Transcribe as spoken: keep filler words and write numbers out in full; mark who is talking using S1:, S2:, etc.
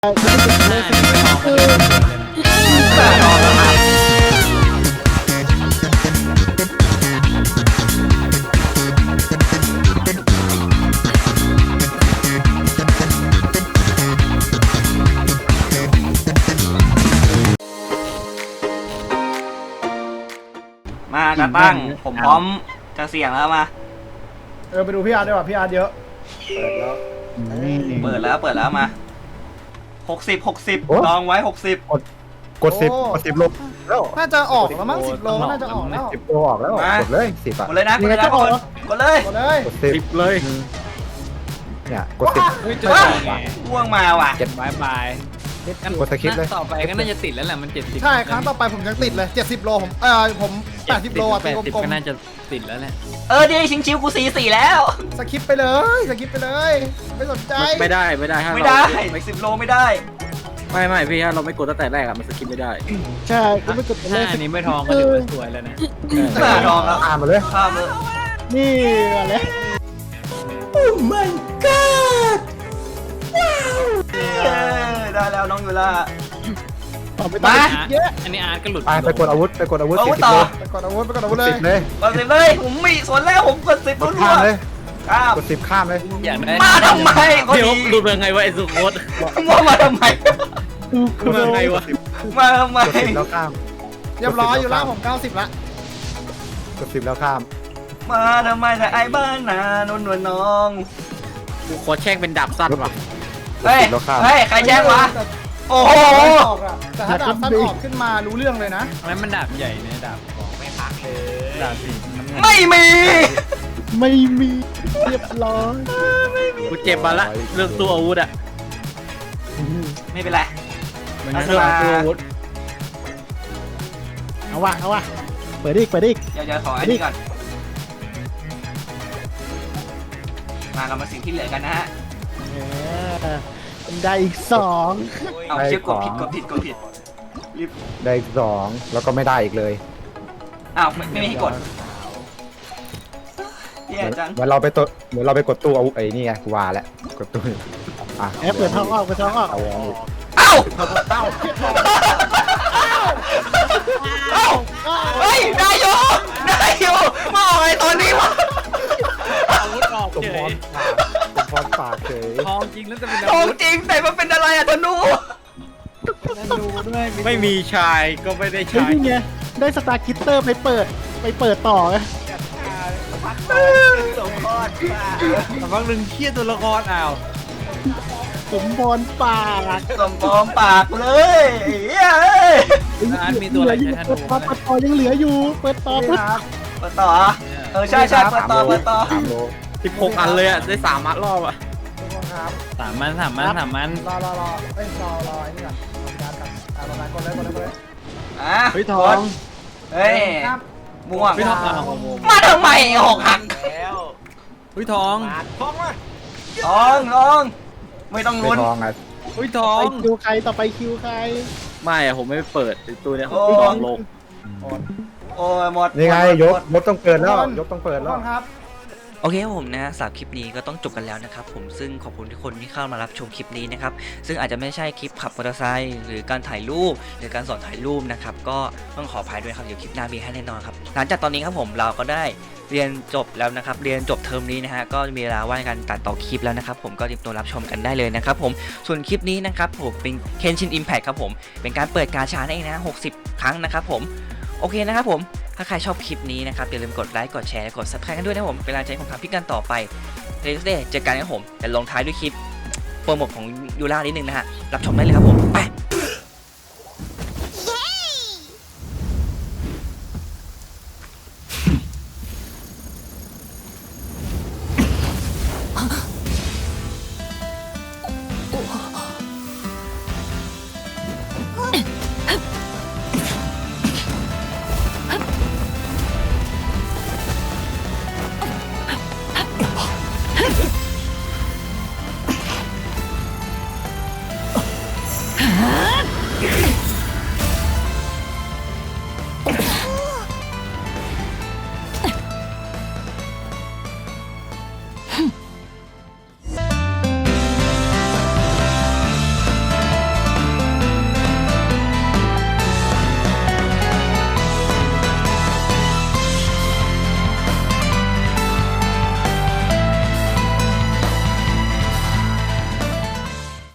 S1: หน้านี่ไม่มองมันเลย
S2: มากระตั้งผมพร้อมจะเสี่ยงแล้วมา
S3: เออไปดูพี่อาร์ตดีกว่าพี่อาร์ตเยอะ
S2: เปิดแล้วเปิดแล้วมาหกสิบหกสิบ
S4: โอ้
S2: ลองไว้หกสิบ
S4: กดสิบกดสิบลบแล้ว
S3: น่าจะออกแล้วมั้งสิบโลน่าจะออกแล้ว
S4: สิบโลออกแล้วกดเลยสิบอ่ะ
S2: กดเลยนะกด
S3: ยัง
S2: เล
S3: ไง
S2: ยนะ
S3: จะออก
S2: กดเลย
S3: หมดเลย
S4: กดสิบ
S1: สิบเลย
S4: เนี่ยกดสิบ
S2: ว้าวว่วงมาว่ะ
S1: เจ็ดบายบายงั้น
S4: กดสคริปต์เลย
S1: ต่อไปก็น่าจะติดแล้วแหละมันเจ็ดสิบ
S3: ใช่ครั้งต่อไปผมยังติดเลยเจ็ดสิบโลผมเออผมแปดสิบโลอ่ะ
S1: แป
S3: ตี
S1: ดสิบ
S3: กลม
S1: ก็น่าจะติดแล้วแหละ
S2: เออดีชิงชิวกูสี่สี่แล้ว
S3: ๆสคิปไปเลยสคิปไปเลยไม่สนใจ
S5: ไม่ได้ไม่ได้ถ้า
S2: ไม่
S5: เรา
S2: ได้สิบโลไม่ได้
S5: ไม่ไม่พี่ถ้าเราไม่กดตั้งแต่แรกอะมันสกิปไม่ได้
S3: ใช่ก็ไม่กด
S1: ถ้าอันนี้ไม่ทองก็ถือว่าสวยแล้วนะ
S2: หน้าทองแล้ว
S4: อ่านมาเลย
S2: ข้ามเลย
S3: นี่อะไร
S2: เออได้แล้วน้องยูล่า
S3: ต่อไปต่อเยอะ
S1: อันนี้อาร์ตก็หลุด
S4: ไปไปกดอาวุธไปกดอาวุธ
S2: เอา
S4: สิบ
S2: ต่อ
S4: โล
S3: ไปกดอาวุธไปกดอาวุธเล
S4: สิ
S3: ย
S4: บเลย
S2: กดสิบเลยผมมีสวนแล้วผมกดสิบ
S4: กด
S2: รัว
S4: ข้ามเลย
S2: ๆข้าม
S4: กดสิบข้ามเลย
S1: อยากได้
S2: มาทำไมก็
S5: เดี๋ยว
S2: ดี
S5: ดูเป็นไงวะไอ้สุโคต
S2: ว่ามาทำไม
S5: ดูเป็นไงวะ
S2: มาทำไม
S4: กดสิบแล้วข้าม
S3: เรียบร้อยอยู่แล้วผมเก้าสิบละ
S4: กดสิบแล้วข้าม
S2: มาทำไมแต่ไอ้บ้านนานนวลน้อง
S5: กูขอแช่งเป็นดาบสั้นว่ะ
S2: เฮ้ย
S4: แล้วข้าม
S2: เฮ้ย ใครแจ้งวะ โอ้โห
S3: ออกอะแต่ถ้าดาบสั้นออกขึ้นมารู้เรื่องเลยนะ
S1: อันนั้นมันดาบใหญ่เนี่ยดาบของไม่พักเลยดาบสีน้ำเงิน
S2: ไม่มี
S3: ไม่มีเรียบร้อย
S5: กูเจ็บมาละเรื่องตัวอาวุธอะ
S2: ไม่เป็นไร
S1: มัน
S2: อั
S1: ก็
S2: ศ
S1: เรื่อง
S2: รา
S1: ตัวอาวุธ
S3: เอาว่ะเอาว่ะเปิดอีกเปิดอีก
S2: เดี๋ยวจะขออันนี้ก่อน มาเรามาสิ่งที่เหลือกันนะฮะ
S3: ได้อีกสอง
S2: เอาเชื่อกดผิดกดผิดกดผิดรีบ
S4: ได้อีกสองแล้วก็ไม่ได้อีกเลย
S2: อ้าวไม่ไม่มีให้กดแย่จัง
S4: เหมือนเราไปตัวเหมือนเราไปกดตู้อาวุธไอ้นี่ไงกูว่าแล้วกดตู้อ่ะ
S3: แอปเปิดท้องออกเปิดท้องออก
S4: เอาเอา
S2: เอ้าเอ้าเฮ้ยได้อยู่ได้อยู่มาออกไอ้ตอนนี้วะ
S1: อาวุธออก
S4: สม
S1: เฉ
S4: พ
S1: ย
S4: รปากสมพรปากเฉย
S1: ทองจริงแล้วจะเป็น
S2: ท
S1: อา
S2: อง
S1: วุธ
S2: จริงแต่มันเป็นอะไรอะธนู
S1: นั่นดูด้วย
S5: ไม่มีชายก็ไม่ได้
S3: เฮ้ย
S5: ชาย
S3: นี่ไงได้สตาร์คิตเตอร์ไปเปิดไปเปิดต่อไง
S2: สมพร
S1: แต่บางหนึ่งเครียดตัวละครอ้าว
S3: สมพรปาก
S2: สมพรปากเลยเฮ้ย
S1: อาร์ตมีตัวอะไรใช้ธ
S3: เปิ
S1: นู
S3: ดต่อเปิดต่อยังเหลืออยู่ เปิดต่อปุ๊บ
S2: เปิดต่อเออใช่ใช่เปิดต่อเปิดต่อ
S4: สามโล
S5: สิบหกอันเลยอะได้สามมัดรอบอะ
S1: สามมันสามมันสามมัน
S3: รอรอรอเอ้ยรอรอไอ้นี่ก่อนการกันอ่าประมาณกดเลยกดเลยกดเลย
S2: อ่ะ
S1: เฮ้ยทอง
S2: เฮ้ยม่วง
S1: เฮ้ยทองอ่ะ
S2: มาทำไมหกหัก
S1: เฮ้ยทอง
S2: ทองทองไม่ต้อง
S4: ไม่
S2: ลุ้น
S4: ทองอ่ะ
S1: เฮ้ยทอ
S3: ไป
S1: ง
S3: คิวใครต่อไปคิวใคร
S5: ไม่อะผมไม่เปิดไอ้ตัวเนี้ย
S2: โอ้
S5: ลองลง
S2: โอ้ยหมด
S4: นี่ไง
S2: หมด
S4: ยก
S2: หมด
S4: ยกต้องเปิดแล้วยกต้องเปิด
S3: ทุก
S4: แล้
S3: คว นครับ
S6: โอเคครับผมนะสำหรับคลิปนี้ก็ต้องจบกันแล้วนะครับผมซึ่งขอบคุณทุกคนที่เข้ามารับชมคลิปนี้นะครับซึ่งอาจจะไม่ใช่คลิปขับมอเตอร์ไซค์หรือการถ่ายรูปหรือการสอนถ่ายรูปนะครับก็ต้องขออภัยด้วยครับเดี๋ยวคลิปหน้ามีให้แน่นอนครับหลังจากตอนนี้ครับผมเราก็ได้เรียนจบแล้วนะครับเรียนจบเทอมนี้นะฮะก็มีเวลาว่างในการตัดต่อคลิปแล้วนะครับผมก็เตรียมตัวรับชมกันได้เลยนะครับผมส่วนคลิปนี้นะครับผมเป็น Kenshin Impact ครับผมเป็นการเปิดกาชานั่นเองนะหกสิบครั้งนะครับผมโอเคนะครับผมถ้าใครชอบคลิปนี้นะครับอย่าลืมกดไลค์กดแชร์และกด ซับสไครบ์ กันด้วยนะผมเป็นกำลังใจให้ผมทำคลิปกันต่อไปเรื่อยๆเจอกันนะครับผมแต่ลงท้ายด้วยคลิปโปรโมทของยูรานิดนึงนะฮะรับชมได้เลยครับผมไป